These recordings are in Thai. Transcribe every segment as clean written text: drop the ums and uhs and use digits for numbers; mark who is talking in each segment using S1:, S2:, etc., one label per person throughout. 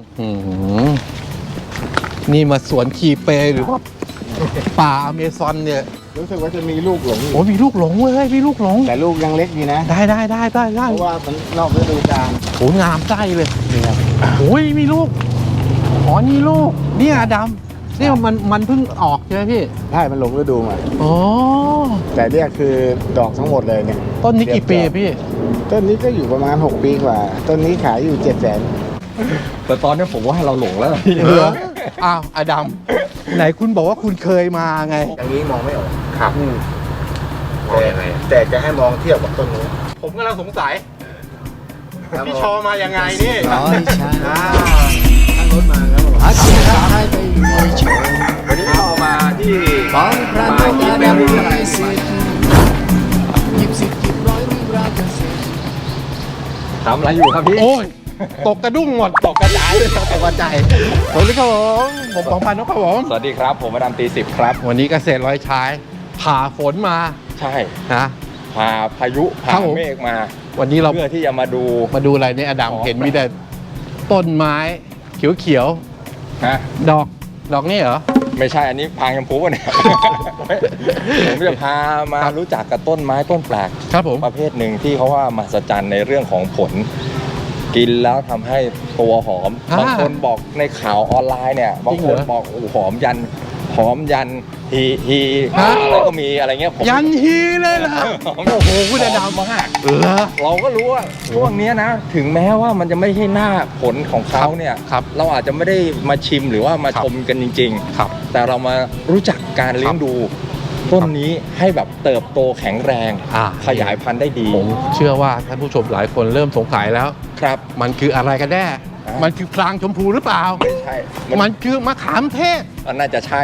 S1: นี่มาสวนคีเปหรือว่าป่าอเมซอนเนี่ย
S2: รู้สึกว่าจะมีลูกหลง
S1: โอ้มีลูกหลงเว้ยมีลูกหลง
S2: แต่ลูกยังเล็กดีนะ
S1: ได้
S2: เพราะว่ามันนอกฤดูกาล
S1: โอ้งามใจเลยโอ้ยมีลูกอ๋อนี่ลูกเนี่ยดำนี่มันเพิ่งออกใช่ไหมพี่
S2: ใช่มันหลงฤดูมา
S1: อ๋อ
S2: แต่เนี่ยคือดอกทั้งหมดเลยเนี่ย
S1: ต้นนี้กี่ปีพี่
S2: ต้นนี้ก็อยู่ประมาณ6 ปีกว่าต้นนี้ขายอยู่700,000
S3: แต่ตอนนี้ผมว่าเราหลงแล้ว
S1: เหรออ้าวอดัมไหนคุณบอกว่าคุณเคยมาไง
S2: อย่างนี้มองไม่ออก
S1: ครับ
S2: แต่จะให้มองเทียบกับต้นนี้
S1: ผมกำลังสงสัยพี่ชอมายังไงนี่
S2: อ๋อใช่ตั้งรถมาแล้ววันนี้เรามาที่ป่าที่แม่ริมอะไร
S3: ทำอะไรอยู่ครับพี่
S1: โอ้ยตกกระดุ้งหมดตกกระจายตกกระจายสวัสดีครับผมปองพันธ์ครับผม
S3: สวัสดีครับผมมาดามตี10ครับ
S1: วันนี้เกษตรร้อยชายผ่าฝนมา
S3: ใช่
S1: นะ
S3: ผ่าพายุผ่าเมฆมา
S1: วันนี้เรา
S3: เพื่อที่จะมาดู
S1: อะไรเนี่ยอดัมเห็นมีแต่ต้นไม้เขียว
S3: ฮะ
S1: ดอกนี่เหรอ
S3: ไม่ใช่อันนี้พางชมพูเนี่ยผมจะพามารู้จักกับต้นไม้ต้นแปลก
S1: ครับผม
S3: ประเภทหนึ่งที่เขาว่ามหัศจรรย์ในเรื่องของผลกินแล้วทำให้ตัวหอมบางคนบอกในข่าวออนไลน์เนี่ยบางคนบอกหอมยันฮีอะไรก็มีอะไรเงี้ย
S1: ยันฮีเลยนะโอ้โหคุณอดัม
S3: มากเราก็รู้ว่าช่วงนี้นะถึงแม้ว่ามันจะไม่ใช่หน้าผลของเขาเนี่ยเราอาจจะไม่ได้มาชิมหรือว่ามาชมกันจริงๆแต่เรามารู้จักการเลี้ยงดูต้นนี้ให้แบบเติบโตแข็งแรงขยายพันธุ์ได้ดี
S1: ผมเชื่อว่าท่านผู้ชมหลายคนเริ่มสงสัยแล้ว
S3: ครับ
S1: มันคืออะไรกันแน่มันคือพลางชมพูหรือเปล่า
S3: ไม่ใช่
S1: มันคือมะขามเทศ
S3: น่าจะใช่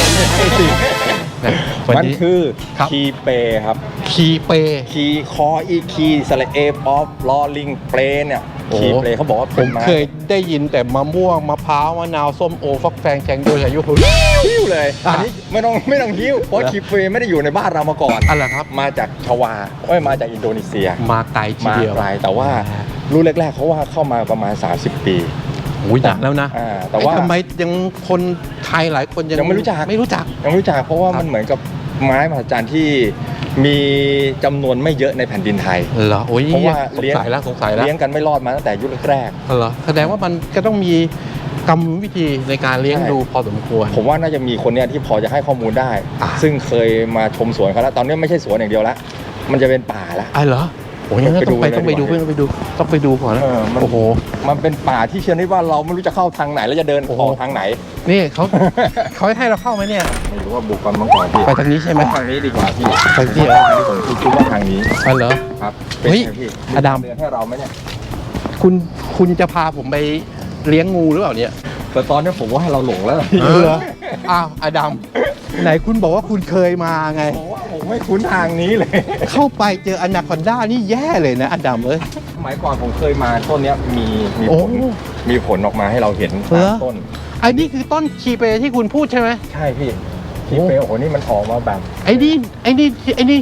S3: มันคือคีเปครับคีคออีคีสระเอป๊อปลอลิงเปรเนี่ยคีเปเขาบอกว่า
S1: ผมเคยได้ยินแต่มะม่วงมะพร้าวมะนาวส้มโอฟักแฟงแจงโดยอายุ
S3: หิ้วเลยอันนี้ไม่ต้องหิ้วเพราะคีเปไม่ได้อยู่ในบ้านเรามาก่อน
S1: อะไรครับ
S3: มาจากชวามาจากอินโดนีเซีย
S1: มาไกลทีเดียว
S3: มาไกลแต่ว่ารุ่นแรกๆเขาว่าเข้ามาประมาณ30 ปี
S1: นานแล้วนะ
S3: แต่ว่า
S1: ทำไมยังคนไทยหลายคนยัง
S3: ไม่รู้จักเพราะว่ามันเหมือนกับไม้มหัศจรรย์ที่มีจำนวนไม่เยอะในแผ่นดินไทย
S1: เหรอ
S3: เพราะว่า
S1: สงสัยแล้ว
S3: เลี้ยงกันไม่รอดมาตั้งแต่ยุคแรก
S1: เหรอแสดงว่ามันก็ต้องมีกรรมวิธีในการเลี้ยงดูพอสมควร
S3: ผมว่าน่าจะมีคนเนี้ยที่พอจะให้ข้อมูลได้ซึ่งเคยมาชมสวนเขาแล้วตอนนี้ไม่ใช่สวนอย่างเดียวแล้วมันจะเป็นป่าแล้ว
S1: เหรอโอ้ยงั้นต้องไปดูก่อนนะโอ้โห
S3: มันเป็นป่าที่เชื่อได้ว่าเราไม่รู้จะเข้าทางไหนแล้วจะเดินออกทางไหน
S1: นี่เขาให้เราเข้าไหมเนี่ย
S3: ไม่รู้ว่าบุกกันมั้งก่อนพี่
S1: ไปทางนี้ใช่ไหม
S3: ทางนี้ดีกว่าพี่
S1: ทางที่
S3: ผมคิดว่าทางนี้
S1: เหรอ
S3: ครับ
S1: เฮ้ยอดัม
S3: เดินให้เราไหมเนี่ย
S1: คุณจะพาผมไปเลี้ยงงูหรือเปล่าเนี่ย
S3: แต่ตอนนี้ผมว่าเราหลงแล้ว
S1: เหรออ้าวอดัมไหนคุณบอกว่าคุณเคยมาไง
S3: ผมไม่คุ้นทางนี้เลย
S1: เข้าไปเจออนาคอนด้านี่แย่เลยนะอดัม
S3: สมัยก่อนผมเคยมาต้นนี้มีผลออกมาให้เราเห็นต้น
S1: ไอ้นี่คือต้นคีเปที่คุณพูดใช่ไหม
S3: ใช่พี่คีเปโอ้โหนี่มันออกมาแบบ
S1: ไอ้นี่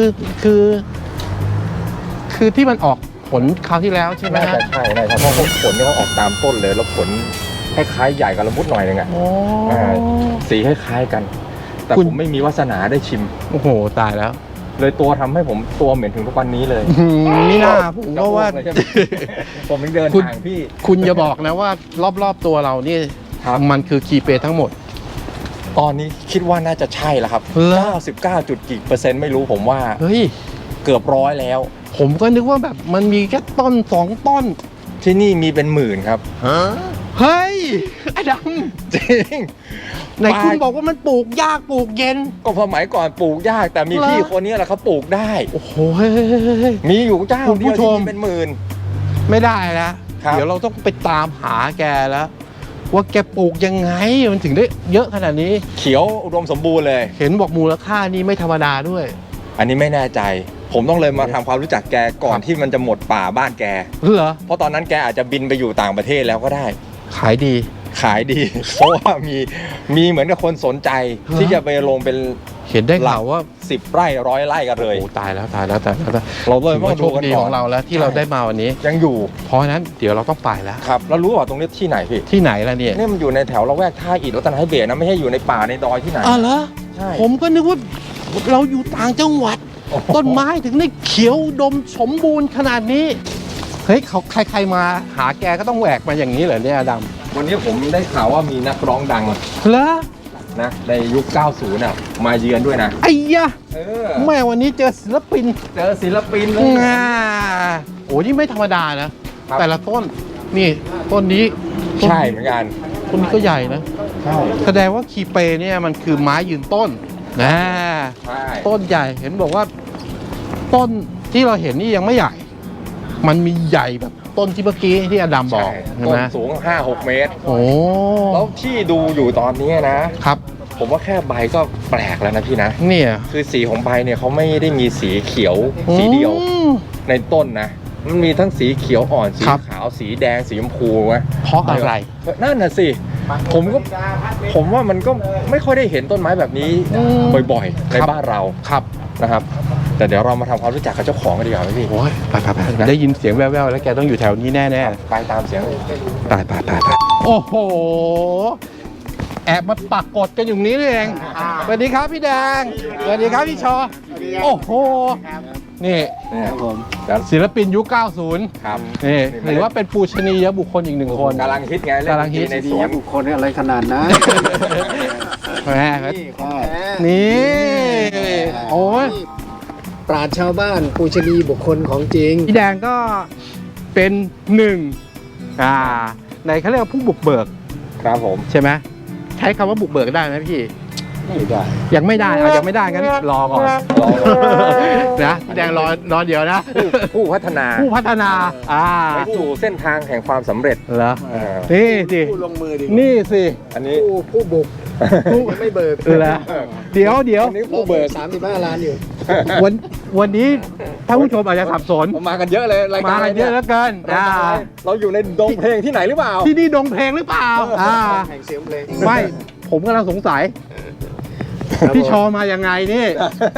S1: คือที่มันออกผลคราวที่แล้วใช่ไหม
S3: น่าจะใช่เพราะผลนี่เขาออกตามต้นเลยแล้วผลคล้ายๆใหญ่กับละมุดหน่อยนึงอ่ะสีคล้ายๆกันแต่ผมไม่มีวาสนาได้ชิม
S1: โอ้โหตายแล้ว
S3: เลยตัวทำให้ผมตัวเหม็นถึงทุกวันนี้เลย
S1: นี่น่าผมก็ว่า
S3: ผมเดินทางพี่
S1: คุณอย่าบอกนะว่ารอบๆตัวเรานี่มันคือคีเปทั้งหมด
S3: ตอนนี้คิดว่าน่าจะใช่แล้วครับ99%กี่เปอร์เซ็นต์ไม่รู้ผมว่าเกือบ100แล้ว
S1: ผมก็นึกว่าแบบมันมีแค่ต้น2 ต้น
S3: ที่นี่มีเป็นหมื่นครับ
S1: เฮ้ยไอ้ด
S3: ำจริง
S1: ไหนคุณบอกว่ามันปลูกยากปลูกเย็น
S3: ก็สมัยก่อนปลูกยากแต่มีพี่คนนี้แหละเขาปลูกได้
S1: โอ้โห
S3: มีอยู่เจ้าเดียวที่เป็นหมื่น
S1: ไม่ได้แล้วเดี๋ยวเราต้องไปตามหาแกแล้วว่าแกปลูกยังไงมันถึงได้เยอะขนาดนี้
S3: เขียวอุดมสมบูรณ์เลย
S1: เห็นบอกมูลค่านี่ไม่ธรรมดาด้วย
S3: อันนี้ไม่แน่ใจผมต้องเลยมาทำความรู้จักแกก่อนที่มันจะหมดป่าบ้านแก
S1: เหรอ
S3: เพราะตอนนั้นแกอาจจะบินไปอยู่ต่างประเทศแล้วก็ได้
S1: ขายดี
S3: เพราะว่ามีเหมือนกับคนสนใจที่จะไปลงเป็น
S1: เห็นได้ข่าวว่า
S3: 10 ไร่100 ไร่กันเลย
S1: โอ้ตายแล้วตายแล้ว
S3: เราเลย
S1: ถือว่าโชคดีของเราแล้วที่เราได้มาวันนี้
S3: ยังอยู่
S1: เพราะฉะนั้นเดี๋ยวเราต้องไปแล้ว
S3: ครับแล้วรู้ว่าตรงนี้ที่ไหนพี่
S1: ที่ไหนล่ะเนี่ย
S3: นี่มันอยู่ในแถวละแวกท่าอิฐรัตนให้เบศนะไม่ใช่อยู่ในป่าในดอยที่ไหน
S1: อ๋อเหรอ
S3: ใช่
S1: ผมก็นึกว่าเราอยู่ต่างจังหวัด
S3: โอ้โห
S1: ต้นไม้ถึงได้เขียวดมสมบูรณ์ขนาดนี้เฮ้ยเขาใครๆมาหาแกก็ต้องแหวกมาอย่างนี้เหรอเนี่ยดำ
S3: วันนี้ผมได้ข่าวว่ามีนักร้องดัง
S1: เหรอ
S3: นะในยุค 90น่ะมาเยือนด้วยนะ
S1: ไอ้ยะ
S3: เ
S1: แม่วันนี้เจอศิลปิน
S3: เจอศิลปินเลย
S1: โอ้นี่ไม่ธรรมดานะ แต่ละต้นนี่ต้นนี้ต้น
S3: ใช่เหมือนกัน
S1: ต้นนี้ก็ใหญ่นะ
S3: ใช่
S1: แสดงว่าคีเปเนี่ยมันคือไม้ยืนต้นนะ
S3: ใช่
S1: ต้นใหญ่เห็นบอกว่า ต้นที่เราเห็นนี่ยังไม่ใหญ่ มันมีใหญ่แบบต้นที่เมื่อกี้ที่อดัมบอกใช่
S3: ต้
S1: ไหม
S3: นสูง 5-6 เมตร
S1: โอ้
S3: แล้วที่ดูอยู่ตอนนี้นะ
S1: ครับ
S3: ผมว่าแค่ใบก็แปลกแล้วนะพี่นะ
S1: เนี่ย
S3: คือสีของใบเนี่ยเขาไม่ได้มีสีเขียวสีเดียว
S1: อืม
S3: ในต้นนะ มันมีทั้งสีเขียวอ่อนสี
S1: ครับ
S3: ขาวสีแดงสีชมพูนะ
S1: เพราะอะไร
S3: นั่นน่ะสิผมว่ามันก็ไม่ค่อยได้เห็นต้นไม้แบบนี้
S1: อืม
S3: บ่อยๆใน
S1: ครับ
S3: บ้านเรา
S1: ครับ
S3: นะครับ แต่เดี๋ยวเรามาทำความรู้จักกับเจ้าของกันดีกว่าไหมพี่
S1: โอ้ยไปได้ยินเสียงแว่วๆแล้วแกต้องอยู่แถวนี้แน่ๆ
S3: ไปตามเสียงเลย
S1: ไปโอ้โห แอบมาปักกดกันอยู่นี้นี่เองสวัสดีครับพี่แดงสวัสดีครับพี่ชอ โอ้โห นี่
S2: ครับผม
S1: ศิลปินยุค 90
S3: ครับ
S1: นี่ถือว่าเป็นปูชนียบุคคลอีกหนึ่งคน
S3: กำลังฮิตไงเล่น
S1: กำลังฮิต
S3: ในสวน
S2: บุคคลอะไรขนาดนั้น
S1: แหม
S2: นี่ของแท้
S1: นี่โอ้ย
S2: ปราชญ์ชาวบ้านปูชนีบุคคลของจริง
S1: พี่แดงก็เป็นหนึ่งในเขาเรียกว่าผู้บุกเบิก
S3: ครับผม
S1: ใช่ไหมใช้คำว่าบุกเบิกได้ไหมพี่
S2: ไม่ได้
S1: ยังไม่ได้ยังไม่ได้งั้นรอก่อน
S3: รอ
S1: นะพี่แดงรอเดี๋ยวนะ
S3: ผู้พัฒนา
S1: ผู้พัฒนา
S3: ไปสู่เส้นทางแห่งความสำเร็จ
S1: เหรอ
S3: เออ
S1: นี่สิ
S2: ผู้ลงมือดี
S1: นี่สิ
S3: อันนี้
S2: ผู้บุกยังไม่เบิก
S1: เหรอเดี๋ยว
S3: อันนี้ผู้เบิก
S2: 35 ล้านอยู่
S1: วันนี้ท่านผู้ชมอาจจะสับสน
S3: มากันเยอะเลยรายการ
S1: มากันเยอะแล้วกัน
S3: เราอยู่ในดงเพลงที่ไหนหรือเปล่า
S1: ที่นี่ดงเพลงหรือเปล่า
S2: แห่งเสียงเพลง
S1: ไม่ผมกำลังสงสัย พี่ชอมายังไงนี่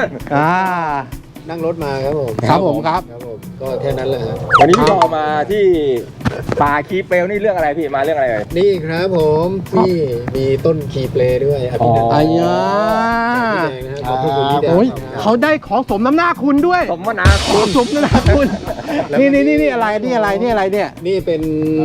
S2: นั่งรถมาครับผม
S1: ครับผมครับ
S2: ครับผมก็แค่นั้นแหละฮะ
S3: วันนี้พี่เรามาที่ป่าคีเปลนี่เรื่องอะไรพี่มาเรื่องอะไรเอ่ย
S2: นี่ครับผมที่มีต้นคีเปลด้วยอภินันท์
S1: อายา
S2: จากพี่แดงนะครับขอบคุณพี่แดง
S1: โอ้ย
S2: ครับ
S1: เขาได้ของสมน้ำหน้าคุณด้วย
S3: สมนาคุณ
S1: สมน้ำหน้าคุณ นี่อะไรเนี่ย
S2: นี่เป็น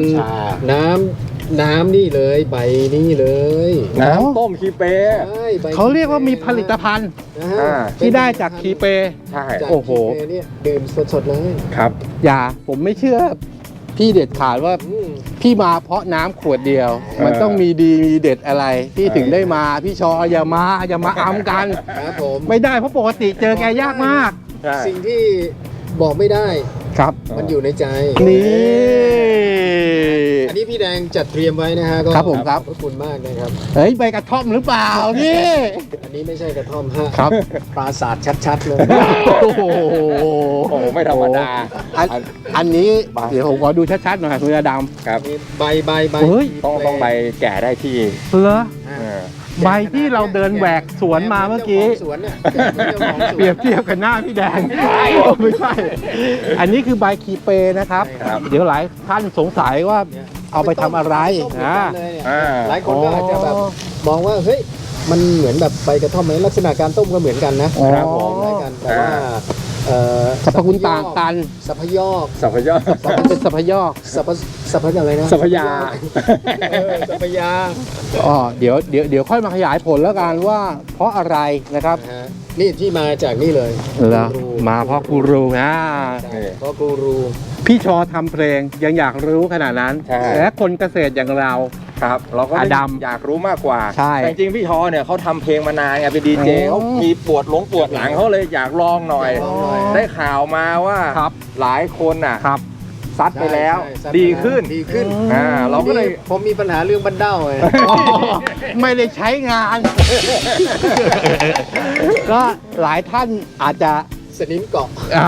S2: น้ำนี่เลยใบนี่เลย
S3: น้ำต้มคีเป
S2: ใช่ใบ
S1: เขาเรียกว่ามีผลิตภัณฑ์
S2: นะฮะ
S1: ที่ได้จากคีเป
S3: ใช่
S2: จาก
S1: โอ้โห
S2: คีเปเนี่ยดื่มสดๆเลย
S3: ครับ
S1: อย่าผมไม่เชื่อ พี่เด็ดขาดว่า
S2: อืม
S1: พี่มาเพราะน้ำขวดเดียว มันต้องมีดีมีเด็ดอะไร พี่ถึงได้มาพี่ชออย่ามาอ้ำกัน
S2: ครับผม
S1: ไม่ได้เพราะปกติเจอแกยากมาก
S3: ใช่
S2: สิ่งที่บอกไม่ได้
S1: ครับ
S2: มันอยู่ในใจ
S1: นี่
S2: อันนี้พี่แดงจัดเตรียมไว้นะฮะก็
S1: ครับผมครับ
S2: ขอบพระคุณมากนะครับ
S1: เฮ้ยใบกระท่อมหรือเปล่าพี่
S2: อันนี้ไม่ใช่กระท่อมฮะ
S1: ครับ
S2: ปราสาทชัดๆเลย
S1: โอ้โห
S3: โอ้โหไม่ธรรมดา
S1: อันนี้เดี๋ยวผมขอดูชัดๆหน่อยคุณอาด
S3: ครับ
S2: มีใบ
S1: เฮ้ย
S3: ต้องใบแก่ได้ที่
S1: ำเหรอ
S2: อ่า
S3: เออ
S1: ใบที่เราเดินแหวกสวนมาเมื่อกี้
S2: จ้าของสวนเนี่ยเจ้าของสวน
S1: เปรียบเทียบกับหน้าพี่แดงไม่ใช่ อันนี้คือใบคีเปนะครับ
S2: ใช่ครับ
S1: เดี๋ยวหลายท่านสงสัยว่า
S2: เนี่ย
S1: เอาไปทำอะไร
S2: ต้มเหมือนกันเลยเนี่ย
S3: อ่า
S2: หลายคนก็อาจจะแบบมองว่าเฮ้ยมันเหมือนแบบใบกระท่อมไหมลักษณะการต้มก็เหมือนกันนะ
S1: อ๋อ
S3: ครับผม
S2: คล้ายกันแต่ว่า
S1: สรรพคุณต่างกัน
S2: สัพยอก
S3: สัพยอ
S1: มันเป็นสัพยอก
S2: สัพอะไรนะ
S3: สัพยา
S2: สัพยา
S1: อ๋อเดี๋ยวค่อยมาขยายผลแล้วกันว่า เพราะอะไรนะครับ
S2: นะฮะนี่ที่มาจากนี่เลย
S1: แล้วมาเพราะกูรูนะ
S2: ใช่เพราะกูรู
S1: พี่ชอทำเพลงยังอยากรู้ขนาดนั้น
S3: ใช่
S1: และคนเกษตรอย่างเรา
S3: ครับ เราก็
S1: อดัม
S3: อยากรู้มากกว่า
S1: ใช่
S3: แต่จริงๆพี่ชอเนี่ยเขาทำเพลงมานานไงเป็นดีเจ
S1: อ๋อ
S3: เขามีปวดหลังเขาเลยอยากลองหน่อย
S2: ลองหน่อย
S3: ได้ข่าวมาว่า
S1: ครับ
S3: หลายคนน่ะ
S1: ครับ
S3: ซัดไปแล้ว
S2: ใช่ใช่
S3: ดีขึ้น
S2: ดีขึ้น
S3: เราก็เลย
S2: ผมมีปัญหาเรื่องบันเด้าไง
S1: ไม่ได้ใช้งาน ก็หลายท่านอาจจะ
S2: สนิมเกาะ
S1: อ่า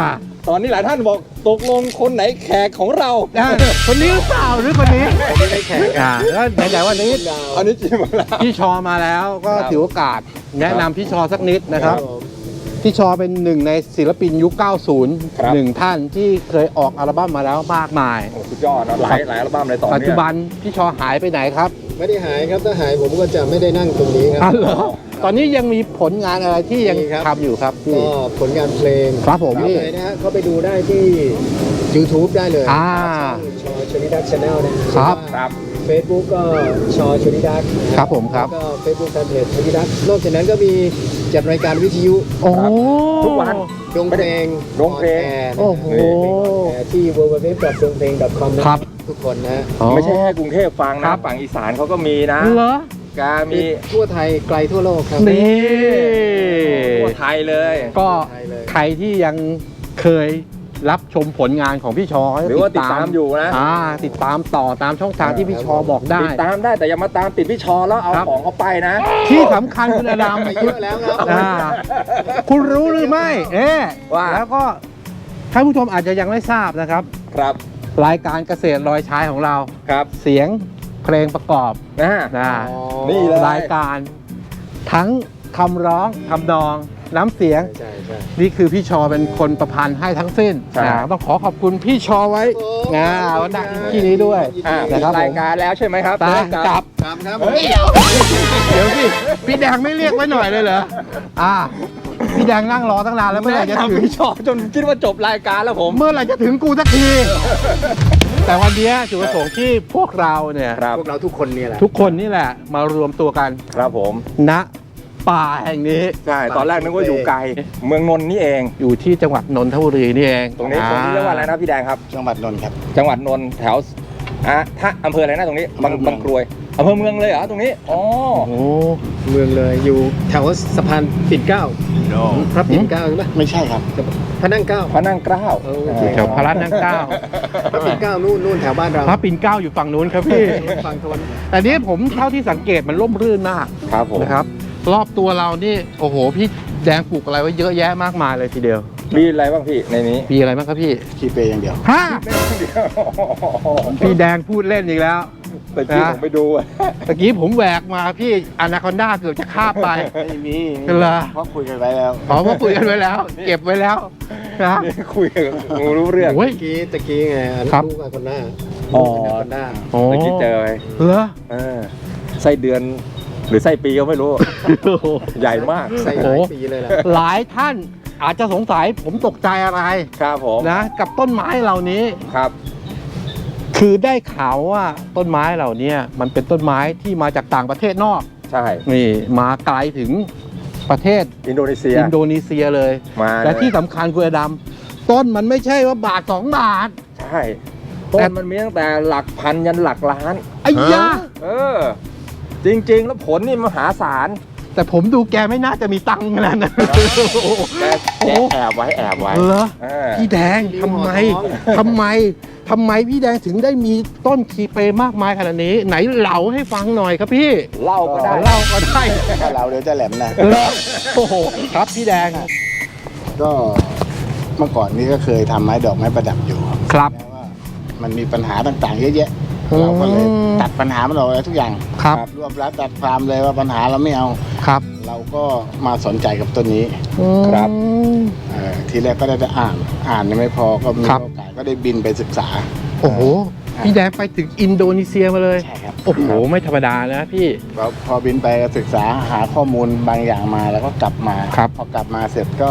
S3: ตอนนี้หลายท่านบอกตกลงคนไหนแขกของเรา
S1: คนนี้หรือเปล่าหรือคนนี้
S2: ไม่ได้แข่งกัน
S1: แล้วไหนๆวันนี้
S3: อันนี้จริงมาแล้ว
S1: พี่ชอมาแล้วก็
S3: ครับ
S1: ถือโอกาสแนะนำพี่ชอสักนิดนะครับ
S2: ผม
S1: พี่ชอเป็นหนึ่งในศิลปินยุค
S3: ครับ
S1: 90หนึ่งท่านที่เคยออกอัลบั้มมาแล้วมากมาย
S3: โอ้สุดยอดนะหลายอัลบั้มเลยตอน
S1: ปัจ
S3: เนี้
S1: จุ
S3: ย
S1: บันพี่ชอหายไปไหนครับ
S2: ไม่ได้หายครับถ้าหายผมก็จะไม่ได้นั่งตรงนี้ค
S1: อ๋
S2: รั
S1: อบ เหรอตอนนี้ยังมีผลงานอะไรที่ยัง
S2: มีครับ
S1: ทำอยู่ครับพี่
S2: ก็ผลงานเพลง
S1: ครับผม
S2: นี่นะฮะเข้าไปดูได้ที่ YouTube ได้เลย
S1: อ่า
S2: ชอชนิดักชาแนลนะครับ
S3: ครับ
S2: เฟซบุ๊กก็ชอชนิดัก
S1: ครับผมครับ
S2: แล้วก็เฟซบุ๊กแฟนเพจชนิดักนอกจากนั้นก็มีจัดรายการวิทยุ
S1: โอ้
S3: ทุกวัน
S2: ดงเพลง
S3: ดงเพลง
S1: โอ้โห
S2: ที่ www.dongpeng.com นะครับ ทุกคนนะ
S3: ไม่ใช่แค่กรุงเทพฟังนะฝั่งอีสานเขาก็มีนะ
S1: เหรอ
S3: กามี
S2: ทั่วไทยไกลทั่วโลกครับ
S1: นี่
S3: ทั่วไทยเลย
S1: ก็
S2: ไทยเลย
S1: ใครที่ยังเคยรับชมผลงานของพี่ชอ
S3: หรือว่าติดตามอยู่นะ
S1: ติดตามต่อตามช่องทางที่พี่ชอบอกได้
S3: ติดตามได้แต่อย่ามาตามติดพี่ชอแล้วเอา
S1: ครับ
S3: ของเขาไปนะ
S1: ที่สำคัญคุณอดัม
S2: ไปเยอะแล้วครับ
S1: คุณรู้หรือไม่
S3: ว่า
S1: แล้วก็ท่านผู้ชมอาจจะยังไม่ทราบนะครับ
S3: ครับ
S1: รายการเกษตรลอยชายของเรา
S3: ครับ
S1: เสียงเพลงประกอบ
S3: นะ
S1: นะ
S3: นี่เลย
S1: รายการทั้งคำร้องคำนองน้ำเสียง
S2: ใช่ใช่
S1: นี่คือพี่ชอเป็นคนประพันธ์ให้ทั้งสิ้น
S3: ใช่
S1: ต้องขอขอบคุณพี่ชอไว้
S2: ครับ
S1: วันนักที่นี้ด้วย
S3: อ่า
S1: นะครับ
S3: รายการแล้วใช่ไหมครับ
S1: ตา
S3: เริ่ม
S1: กลับ
S2: ครับครับ
S3: เฮ้ย
S1: เดี๋ยวพี่พี่แดงไม่เรียกไว้หน่อยเลยเหรอพี่แดงนั่งรอตั้งนานแล้วเมื่อไหร่จะถึง
S3: พี่ชอจนคิดว่าจบรายการแล้วผม
S1: เมื่อไหร่จะถึงกูสักที แต่วันนี้จุดประสงค์ที่พวกเราเนี่ย
S3: ครับ
S2: พวกเราทุกคนนี่แหละ
S1: ทุกคนนี่แหละมารวมตัวกัน
S3: ครับผม
S1: ณป่าแห่งนี้
S3: ใช่ตอนแรกนึกว่าอยู่ไกลเมืองนนท์นี่เอง
S1: อยู่ที่จังหวัดนนทบุรีนี่เอง
S3: ตรงนี้เรียกว่าอะไรนะพี่แดงครับ
S2: จังหวัดนนท์ครับ
S3: จังหวัดนนท์แถวถ้าอำเภออะไรนะตรงนี้บางกรวยอำเภอเมืองเลยเหรอตรงนี้อ๋อ
S1: โอ้
S2: เมืองเลยอยู่แถวสะพานปิ่นเกล้าพระปิ่นเกล้าใช่ไหม
S4: ไม่ใช่ครับ
S2: พระนั่งเกล้า
S3: พระนั่งเกล้า
S1: อยู่แถวพระรัตน์นั่งเกล้า
S2: พระปิ่นเกล้านู่นแถวบ้านเรา
S1: พระปิ่นเกล้าอยู่ฝั่งนู้นครับพี่
S2: ฝั่งทน
S1: แต่นี้ผมเท่าที่สังเกตมันร่มรื่นมาก
S3: ครับผม
S1: นะครับ รอบตัวเรานี่โอ้โหพี่แดงปลูกอะไรไว้เยอะแยะมากมายเลยทีเดียว
S3: มีอะไรบ้างพี่ในนี้
S1: มีอะไรบ้างครับพี่
S4: คีเปอย่างเดียว
S1: ฮะพี่แดงพูดเล่นอีกแล้ว
S3: แต่ที่ผมไปดูอะ
S1: ตะกี้ผมแหวกมาพี่อนาคอนด้าเกือบจะคาบไป
S4: ไม่มี
S1: เหรอ
S4: เพราะคุยกันไว้แล้ว
S1: ขอมาคุยกันไว้แล้ว เก็บไว้แล้วนะ
S3: นี่คุยกับงูรู้เรื่อง
S1: โอ้ย
S2: ตะกี้ไงอัน
S1: ครับ
S2: ลูกอาคนหน้า
S3: อ๋อ
S2: ลูกอาคนหน้า
S1: โอ้
S3: เมื่อกี้เจอไป
S1: เหรอ
S3: ไส้เดือนหรือไส้ปีก็ไม่รู้ ใหญ่มาก
S2: ใส่หลายปีเลยแหละ
S1: หลายท่านอาจจะสงสัยผมตกใจอะไร
S3: ครับผม
S1: นะกับต้นไม้เหล่านี้
S3: ครับ
S1: คือได้ข่าวว่าต้นไม้เหล่านี้มันเป็นต้นไม้ที่มาจากต่างประเทศนอก
S3: ใช่
S1: นี่มาไกลถึงประเทศ
S3: อินโดนีเซีย
S1: อินโดนีเซียเลย
S3: มา
S1: และ
S3: เลย
S1: ที่สำคัญคุณอดำต้นมันไม่ใช่ว่าบาท2 บาท
S3: ใช่ต้นมันมีตั้งแต่หลักพันยันหลักล้าน
S1: ไอ้ยา
S3: เออ จริง ๆ แล้วผลนี่มหาศาล
S1: แต่ผมดูแกไม่น่าจะมีตังค์ขนาดนั้น
S3: แกแอบไว้แอบไว้
S1: เหรอ
S3: เออ
S1: พี่แดงทำไมทำไมพี่แดงถึงได้มีต้นคีเปมากมายขนาดนี้ ไหนเล่าให้ฟังหน่อยครับพี่
S3: เล่าก็ได้
S1: เล่าก็ได้
S4: ถ้าเราเดี๋ยวจะแหลมนะ
S1: เหรอโอ้โหครับพี่แดง
S4: ก็เมื่อก่อนนี้ก็เคยทำไม้ดอกไม้ประดับอยู่
S1: ครับ
S4: แต่ว่ามันมีปัญหาต่างๆ เยอะแยะ
S1: อืม
S4: เราก็เลยตัดปัญหามันออกเลยทุกอย่าง
S1: ครับ
S4: รวบรัดตัดความเลยว่าปัญหาเราไม่เอา
S1: ครับ
S4: เราก็มาสนใจกับต้นนี้
S3: ครับ
S4: ทีแรกก็ได้อ่านยังไม่พอก็มี
S1: ครับ
S4: โอกาสก็ได้บินไปศึกษา
S1: โอ้โหพี่แดงไปถึงอินโดนีเซียมาเลย
S4: ใช่ครับ
S1: โอ้โหไม่ธรรมดานะพี่
S4: เราพอบินไปศึกษาหาข้อมูลบางอย่างมาแล้วก็กลับมา
S1: ครับ
S4: พอกลับมาเสร็จก็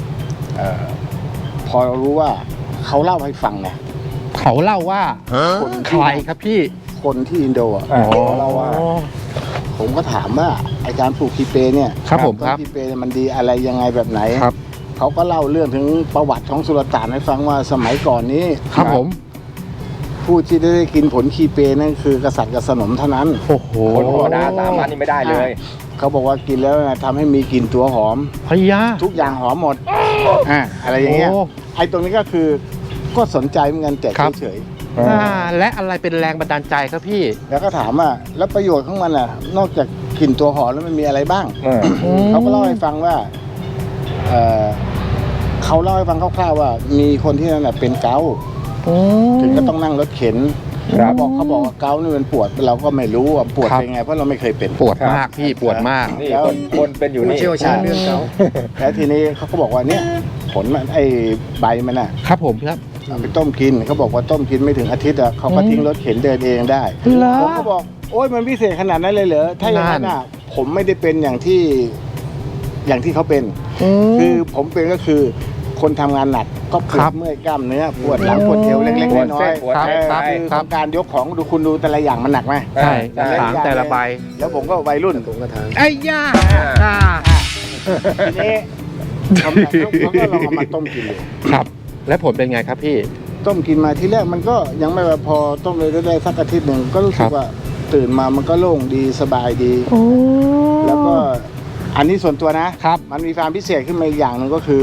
S4: พอเรารู้ว่าเขาเล่าให้ฟังนะ
S1: เขาเล่าว่า
S4: คน
S1: ใครครับพี่
S4: คนที่อินโดอ่ะ
S3: อ๋อ
S4: เขาเล่าว่า ผมก็ถามว่าไอการปลูกคีเปเนี่ย
S1: ครับผม
S4: ต้
S1: ครับ
S4: นคีเปเนี่ยมันดีอะไรยังไงแบบไหน
S1: ครับ
S4: เขาก็เล่าเรื่องถึงประวัติของสุลต่านให้ฟังว่าสมัยก่อนนี้
S1: ครับผม
S4: ผู้ที่ได้กินผลคีเปนั่นคือกษัตริย์กับสนมเท่านั้น
S1: โอ้โห
S3: คนธรรมดาสามัญนี่ไม่ได้เลย
S4: เขาบอกว่ากินแล้วนะทำให้มีกลิ่นตัวหอม
S1: พยา
S4: ทุกอย่างหอมหมดอะไรอย่างเงี้ย
S1: โอ้
S4: ไอ้ตรงนี้ก็คือก็สนใจเหมือนกันแต่
S1: ครับ
S4: เฉย
S1: และอะไรเป็นแรงบันดาลใจครับพี่
S4: ๆแล้วก็ถามว่าแล้วประโยชน์ของมันอ่ะ นอกจากกลิ่นตัวหอมแล้วมันมีอะไรบ้าง
S3: เออ
S4: เขาก็เล่าให้ฟังว่าเขาเล่าให้ฟังคร่าวๆว่า มีคนที่นั่นน่ะเป็นเกาต์ถึงก็ต้องนั่งรถเข็น
S3: ครับ
S4: เขาบอกว่าเกาต์นี่มันปวดเราก็ไม่รู้ว่าปวด
S1: ครับ
S4: เป็นไงเพราะเราไม่เคยเป็น
S1: ปวดมากพี่ปวดมาก
S3: นี่คนเป็นอยู่นี่
S2: เชี่ยวชาญเรื่องเขา
S4: แล้วทีนี้เขาก็บอกว่าเนี่ยผลมันไอ้ใบมันน่ะ
S1: ครับผมครับ
S4: เอาไปต้มกินเขาบอกว่าต้มกินไม่ถึงอาทิตย์อ่ะเขาก็ทิ้งรถเข็นเดินเองได้
S1: เหรอ
S4: ผมก็บอกโอ๊ยมันพิเศษขนาดนั้นเลยเหรอถ้าอย่างนั้น
S1: นั่
S4: อ่ะ
S1: น
S4: ผมไม่ได้เป็นอย่างที่เขาเป็น คือผมเป็นก็คือคนทำงานหนักก็ปว
S1: ครั
S4: ด
S1: บ
S4: เมื่อยกล้ามเนื้อปวดหลังปวดเอวเล็ก
S3: ปวด
S4: ๆน้อ
S3: เส้
S4: ย
S3: นปวด
S4: ๆ
S3: เส้น
S1: ครับ
S4: คือ
S1: ครับ
S4: การยกของดูคุณดูแต่ละอย่างมันหนักไหม
S1: ใช่
S3: ใช่
S1: ถางแต่ละใบ
S4: แล้วผมก็วัยรุ่น
S2: ตรงกระถาง
S1: ไอ้ย่าอ่า
S4: ทีนี้เขาก็ลองเอามาต้มกินเลย
S1: ครับ แล้วผลเป็นไงครับพี่
S4: ต้มกินมาทีแรกมันก็ยังไม่ว่าพอต้มเลยได้สักอาทิตย์หนึ่งก็รู้สึ
S1: ครั
S4: ก
S1: บ
S4: ว่าตื่นมามันก็โล่งดีสบายดี แล้วก็อันนี้ส่วนตัวนะ
S1: ครับ
S4: มันมีความพิเศษขึ้นมาอีกอย่างหนึ่งก็คือ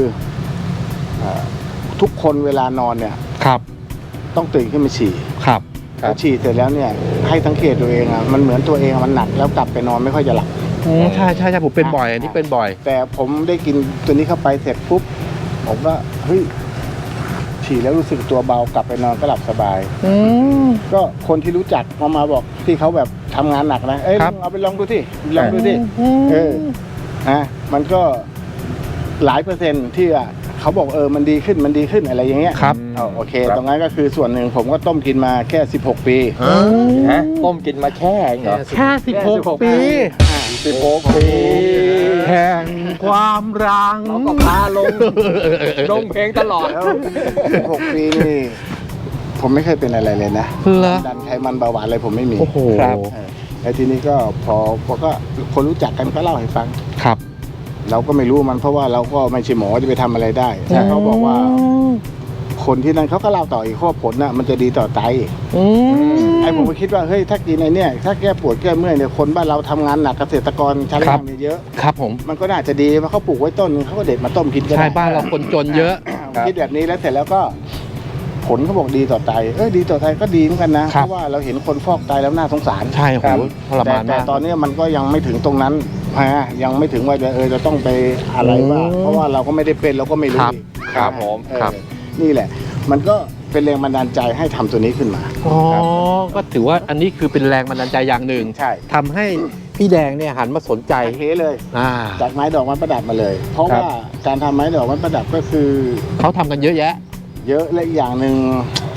S4: ทุกคนเวลานอนเนี่ย
S1: ครับ
S4: ต้องตื่นขึ้นมาฉี่
S1: ครับ
S3: ครับ
S4: พอฉี่เสร็จแล้วเนี่ยให้สังเกตตัวเองอ่ะมันเหมือนตัวเองมันหนักแล้วกลับไปนอนไม่ค่อยจะหลับ
S1: ใช่ใช่ใช่ผมเป็นบ่อยอันนี้เป็นบ่อย
S4: แต่ผมได้กินตัวนี้เข้าไปเสร็จปุ๊บผมก็เฮ้ยฉี่แล้วรู้สึกตัวเบากลับไปนอนก็หลับสบาย ก็คนที่รู้จักมาบอกที่เขาแบบทำงานหนักนะเอ้ย
S1: ครับ
S4: เอาไปลองดูที่ลองดูที่มันก็หลายเปอร์เซ็นต์ที่เขาบอกมันดีขึ้นอะไรอย่างเงี้ย
S1: ครับ
S4: โอเค ตรงนั้นก็คือส่วนหนึ่งผมก็ต้มกินมาแค่16 ปี
S3: ฮะต้มกินมาแค่เองเหรอ
S1: แค่16 ปี
S3: 16 ปี
S1: แห่งความรัง
S3: เราก็พาลงเพลงตลอด
S4: แล้ว16 ปีนี่ผมไม่เคยเป็นอะไรเลยนะ
S1: เหรอ
S4: ดันไขมันเบาหวานอะไรผมไม่มี
S1: โอ้โห
S3: ครับ
S4: แล้วทีนี้ก็พอก็คนรู้จักกันก็เล่าให้ฟัง
S1: ครับ
S4: เราก็ไม่รู้มันเพราะว่าเราก็ไม่ใช่หมอจะไปทำอะไรได้แต่เขาบอกว่าคนที่นั่นเขาก็เล่าต่ออีกข้อผลน่ะมันจะดีต่อไตไอ้ผมก็คิดว่าเฮ้ยถ้ากินไอ้เนี่ยถ้าแก้ปวดแก้เมื่อยเนี่ยคนบ้านเราทำงานหนักเกษตรกรใช้แรงงานเยอะ
S1: ครับผม
S4: มันก็น่าจะดีเพราะเขาปลูกไว้ต้นนึงเขาก็เด็ดมาต้มกินก็ได้
S1: ใช่บ้านเราคนจนเยอะ
S4: คิดแบบนี้แล้วเสร็จแล้วก็ผลเขาบอกดีต่อไตดีต่อไตก็ดีเหมือนกันนะเพ
S1: ครับ
S4: ราะว่าเราเห็นคนฟอกไตแล้วน่าสงสาร
S1: ใช่โหทรมาน
S4: แต่
S1: มาก
S4: ตอนนี้มันก็ยังไม่ถึงตรงนั้นยังไม่ถึงว่าจะต้องไปอะไรว่าเพราะว่าเราก็ไม่ได้เป็นเราก็ไม่รู้
S1: ครับ
S4: อีก
S3: ครับผม
S1: ครับ
S4: นี่แหละ มันก็เป็นแรงบันดาลใจให้ทำตัวนี้ขึ้นมา
S1: อ๋อ ก็ถือว่าอันนี้คือเป็นแรงบันดาลใจอย่างหนึ่ง
S4: ใช่
S1: ทำให้พี่แดงเนี่ยหันมาสนใจ
S4: เทเลย
S1: อ่า
S4: จากไม้ดอกไม้ประดับมาเลย เพราะ
S3: ครับ
S4: ว่าการทำไม้ดอกไม้ประดับก็คือ
S1: เขาทำกันเยอะแยะ
S4: เยอะและอีกอย่างหนึ่ง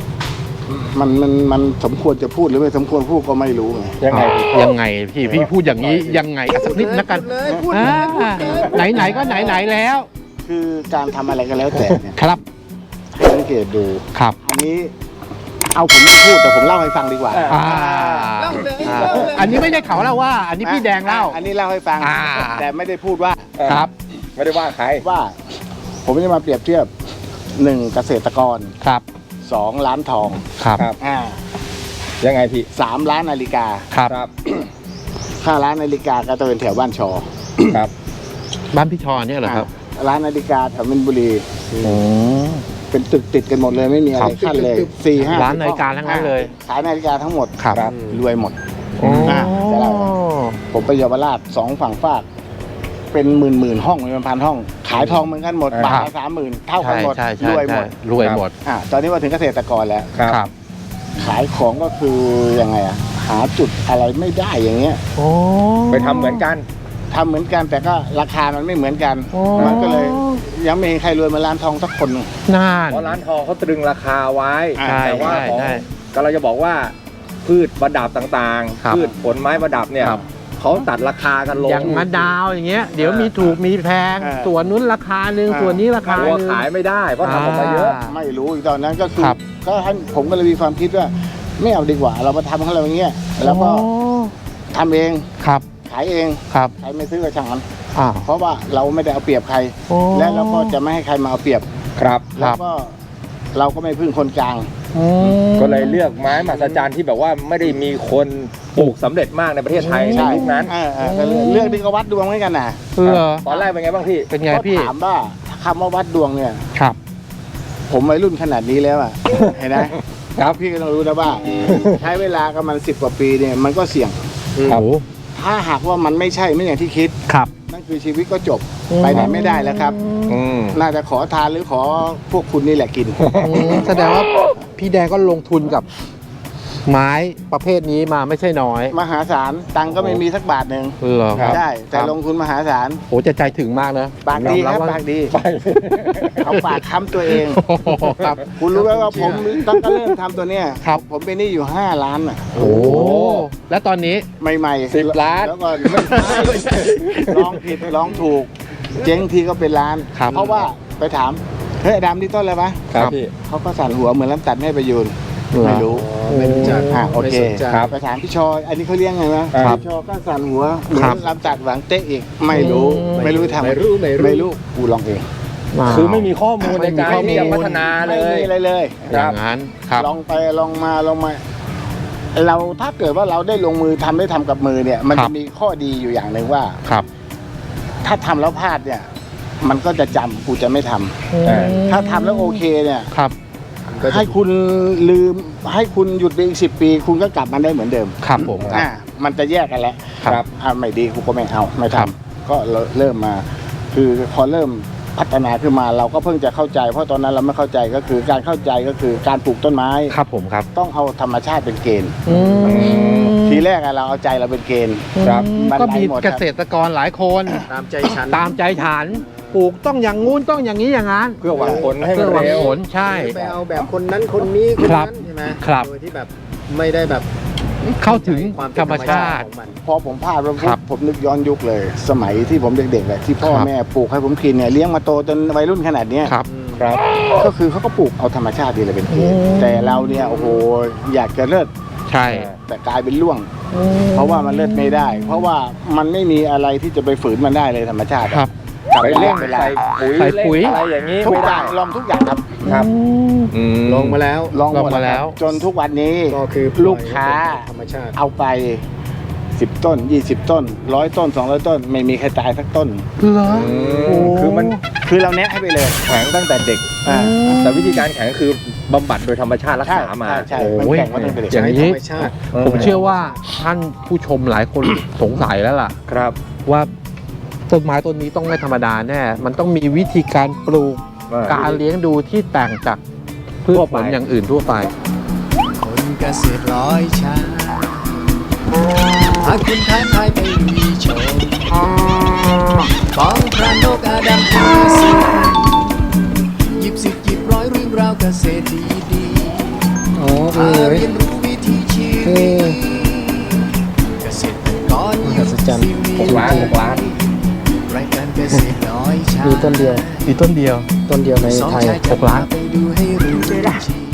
S4: มันสมควรจะพูดหรือไม่สมควรพูดก็ไม่รู้ไง
S3: ยังไง
S1: ยังไงพี่พูดอย่างนี้ยังไงสักนิดนะกันไหนๆก็ไหนๆแล้ว
S4: คือการทำอะไรก็แล้วแต่เนี่ย
S1: ครับ
S4: ให้สังเกตดู
S1: ครับ
S4: อันนี้เอาผมไม่พูดแต่ผมเล่าให้ฟังดีกว่า
S1: อ่าอันนี้ไม่ใช่เขาเล่าว่า อันนี้พี่แดงเล่า
S4: อันนี้เล่าให้ฟัง
S1: อ่า
S4: แต่ไม่ได้พูดว่า
S1: ครับ
S3: ไม่ได้ว่าใคร
S4: ว่าผมจะมาเปรียบเทียบ1เกษตรกร
S1: ครับ
S4: 2ล้านทอง
S1: ครับ
S3: ครับ ยังไงพี่
S4: 3ล้านนาฬิกา
S1: ครับ
S3: ครับ
S4: ค่าร้านนาฬิกาก็จะเป็นแถวบ้านชอ
S3: ครับ
S1: บ้านพี่ชอเนี่ยเหรอครับ
S4: ร้านนาฬิกาแถวมินบุรี
S1: โอ้
S4: เป็นตึกติดกันหมดเลยไม่มีอะไรขั้นเลย4-5
S1: ร้านนาฬิกาทั้งนั้นเลย
S4: ขายนาฬิกาทั้งหมด
S1: ครับ
S3: ครับ
S4: รวยหมด
S1: โอ้
S4: จะเล่าผมไปเยาวราช2ฝั่งฝาก เป็นหมื่นห้องเป็นพันห้อง ขายทองเหมือนกันหมดบาทละ30,000เท่ากัน
S1: ใช่
S4: หมด
S1: ใช่
S4: รวยหมด
S1: รวยหมด
S4: ตอนนี้มาถึงเกษตรกรแล้ว
S3: ครับ
S1: ครับ
S4: ขายของก็คือยังไงหาจุดอะไรไม่ได้อย่างเงี้ย
S1: โอ้
S3: ไปทำเหมือนกัน
S4: ทำเหมือนกันแต่ก็ราคามันไม่เหมือนกัน
S1: โอ้
S4: มันก็เลยยังไม่เห็นใครรวยเหมาร้านทองสักคนหนึ่ง
S1: น่าน
S3: เพราะร้านทองเขาตรึงราคาไว้
S1: ใช่
S3: แต่ว่า
S1: ใช่
S3: ของ
S1: ใช่
S3: ก็เราจะบอกว่าพืชประดับต่าง
S1: ครับ
S3: ๆ พืชผลไม้ประดับเนี่ย
S1: ครับ
S3: เขาตัดราคากันลง
S1: อย่างมะนาวอย่างเงี้ย เดี๋ยวมีถูกมีแพง ส่วนนู้นราคาหนึ่งส่วนนี้ราคา
S3: ตั
S1: ห
S3: ว
S1: นึ่ง
S3: ขายไม่ได้เพราะทำออกมาเยอะ
S4: ไม่รู้อีกตอนนั้นก็คือ
S1: ครับ
S4: ก็ให้ผมก็เลยมีความคิดว่า ไม่เอาดีกว่า เรามาทำของเราอย่างเงี้ยแล้วก็ทำเอง
S1: ครับ
S4: ขายเอง
S1: ครับ
S4: ใครไม่ซื้อก็ช่างมัน
S1: อ้าว
S4: เพราะว่าเราไม่ได้เอาเปรียบใคร
S1: โอ้
S4: และเราก็จะไม่ให้ใครมาเอาเปรียบ
S3: ครับ
S4: แล้วก็เราก็ไม่พึ่งคนกลาง
S3: ก็เลยเลือกไม้มหัศจรรย์ที่แบบว่าไม่ได้มีคนปลูกสำเร็จมากในประเทศไทยในยุคนั้น
S4: ก็เรื่องที่เขาวัดดวงเหมือนกันนะ
S1: เหรอ
S3: ตอนแรกเป็นไงบ้างพี่
S1: เป็นไง
S4: ก็
S1: พี่
S4: ถามว่าคำว่าวัดดวงเนี่ย
S1: ครับ
S4: ผมวัยรุ่นขนาดนี้แล้วอ่ะ เห็นไหมครับพี่ก็ต้องรู้นะว่า ใช้เวลากับมัน10 กว่าปีเนี่ยมันก็เสี่ยง
S1: ครับ
S4: ถ้าหากว่ามันไม่ใช่ไม่อย่างที่คิด
S1: ครับ
S4: นั่นคือชีวิตก็จบไปไหนไม่ได้แล้วครับ
S3: อืม
S4: น่าจะขอทานหรือขอพวกคุณนี่แหละกิน
S1: แสดงว่าพี่แดงก็ลงทุนกับไม้ประเภทนี้มาไม่ใช่น้อย
S4: มหาศาลตังค์ก็ไม่มีสักบาทหนึ่ง
S1: เหรอครับ
S4: ใช่แต่ลงทุนมหาศาล
S1: โหจะใจถึงมากนะ
S4: ปากดีครับ
S1: ยอม
S4: ปากดี
S3: ไป
S4: เขาปากค้ำตัวเอง
S1: โอ้โหครับ
S4: คุณรู้ไหมว่าผมตั้งแต่เริ่มทำตัวเนี้ย
S1: ครับ
S4: ผมเป็นหนี้อยู่5 ล้านอ่ะ
S1: โอ้แล้วตอนนี้
S4: ใหม่ๆ
S3: 10 ล้าน
S4: แล้วก็ไม่ใช่ลองผิดลองถูก เจ๊งทีก็เป็นล้าน
S1: ครับ
S4: เพราะว่าไปถามเฮ้ยอดัมนี่ต้นอะไรวะ
S3: ครับพี่
S4: เขาก็สั่นหัวเหมือนลำตัดแม่ประยูนไม่รู้
S2: ไม่รู้จัก
S4: โอเค
S2: ไม่สนใจ
S4: ครับไปถามพี่ชออันนี้เขาเลี้ยงไงวะ
S3: ครับ
S4: พี่ชอก็สั่นหัวเหมือ
S1: ครั
S4: น
S1: บ
S4: ลำตัดหวังเตะอีกไม่รู้ ไม่รู้ทำ
S2: ไม่รู้
S4: ไม่รู้กูลองเอง
S3: คือไม่มีข้อมูลใน
S1: ไม่มี
S3: การ
S1: ข้อมูล
S3: ที่จะพัฒนาเล
S4: ไม่
S3: ย
S4: มีอะไรเลย
S1: อย่างนั้นครับ
S4: ลองไปลองมาลองมาเราถ้าเกิดว่าเราได้ลงมือทำได้ทำกับมือเนี่ย มัน
S1: ครั
S4: จะ
S1: บ
S4: มีข้อดีอยู่อย่างหนึ่งว่า
S1: ครับ
S4: ถ้าทำแล้วพลาดเนี่ย มันก็จะจำกูจะไม่ทำถ้าทำแล้วโอเคเนี่ย
S1: ครับ
S4: ให้คุณลืมให้คุณหยุดไปอีก10 ปี คุณก็กลับมาได้เหมือนเดิม
S1: ครับผมครับ
S4: มันจะแยกกันแล้ว
S1: ครับ
S4: ไม่ดีกูก็ไม่เอาไม่
S1: ครั
S4: ทำ
S1: บ
S4: ก็เริ่มมา คือพอเริ่มพัฒนาขึ้นมาเราก็เพิ่งจะเข้าใจ เพราะตอนนั้นเราไม่เข้าใจก็คือการเข้าใจก็คือการปลูกต้นไม้
S1: ครับผมครับ
S4: ต้องเอาธรรมชาติเป็นเกณฑ์
S1: ม
S4: ทีแรกเราเอาใจเราเป็นเกณฑ์
S3: ครับ
S1: ก็มี
S4: หมดครับ
S1: เกษตรกรหลายคน
S2: ตามใจฉัน
S1: ตามใจฉันปลูกต้องอย่างงู้นต้องอย่างนี้อย่างนั้น
S3: เพื่อหวังผลให้
S1: เพื่
S3: มั
S1: อนหวัง
S3: เร็ว
S1: ผลใช่
S2: ไปเอาแบบคนนั้นคนนี้คน
S1: ครับ
S2: นั้นใช่ไหม
S1: ครับ
S2: โดยที่แบบไม่ได้แบบ
S1: เข้าถึง
S2: ความเป็น
S1: ธรรมชาติ
S2: ของมัน
S4: พอผมพลาดแล้ว
S1: ครับ
S4: ผมนึกย้อนยุคเลย สมัยที่ผมเด็กๆเลยที่พ่อ
S1: ครับ
S4: แม่ปลูกให้ผมกินเนี่ยเลี้ยงมาโตจนวัยรุ่นขนาดเนี้ย
S1: ครับ
S3: ครับ
S4: ก็คือเขาก็ปลูกเอาธรรมชาติดีเลยเป็นเกณฑ์
S1: อืม
S4: แต่เราเนี่ยโอ้โหอยากจะเลิศ
S1: ใช่
S4: แต่กลายเป็นล่วง เพราะว่ามันเลิศไม่ได้ เพราะว่ามันไม่มีอะไรที่จะไปฝืนมันได้เลยธรรมชาติ
S1: ครับ
S4: กลับ
S3: ไป
S4: ไป
S3: เร่
S4: เล่
S3: ง
S4: นเวลา
S3: ใส่ปุ๋ย
S1: ใส่ปุ๋ย
S3: เร่งอะไรอย่างนี้
S4: ทุก
S3: ไม่
S4: อ
S3: ได้
S4: ย่างลองทุกอย่างครับ
S3: ครับ
S1: อืม
S2: ลงมาแล้ว
S4: ลองหมด
S1: ลองมาแล้ว
S4: จนทุกวันนี้
S2: ก็คือ
S4: ลูกค้า
S2: ธรรมชาติ
S4: เอาไป 10 ต้น 20 ต้น 100 ต้น 200 ต้น ไม่มีใครตายสักต้น
S1: เหรอ
S3: คือมัน
S4: คือเราแนะให้ไปเลย
S3: แข็งตั้งแต่เด็ก
S4: อ่า
S3: แต่วิธีการแข็งคือบำบัดโดยธรรมชาติรักษามา
S4: ใช่
S1: โอ้
S4: มัน
S1: ย
S4: แข่งมาตั้งแต่เด็ก
S1: อย่าง
S2: ใช้
S1: นี้
S2: ธรรมชาติ
S1: ผมเชื่อว่าท่านผู้ชมหลายคน สงสัยแล้วล่ะ
S3: ครับ
S1: ว่าต้นไม้ต้นนี้ต้องไม่ธรรมดาแน่ มันต้องมีวิธีการปลูก การเลี้ยงดูที่ต่างจากพืช
S3: ทั่ว
S1: ผ
S3: ไป
S1: ลอย่างอื่นทั่วไป
S2: คนเกษตรร้อยชาหากคุณท้าทายไปลุยโชว์ฟ้องพระนกอาดัมพูสิหยิบสิบหยิบร้อยเรื่องราวเกษตรดีๆมาเรียนรู้วิถีชีวิตเกษตรกรยุคซี
S3: 6 ล้าน 6 ล้าน
S2: รายการเกษตรร้อยชา
S1: มีต้นเดียว
S2: ต้นเดียวใน
S1: สอง
S2: ไทย
S1: ชายจะ
S2: 6 ล้านไปดูให้รู้จริง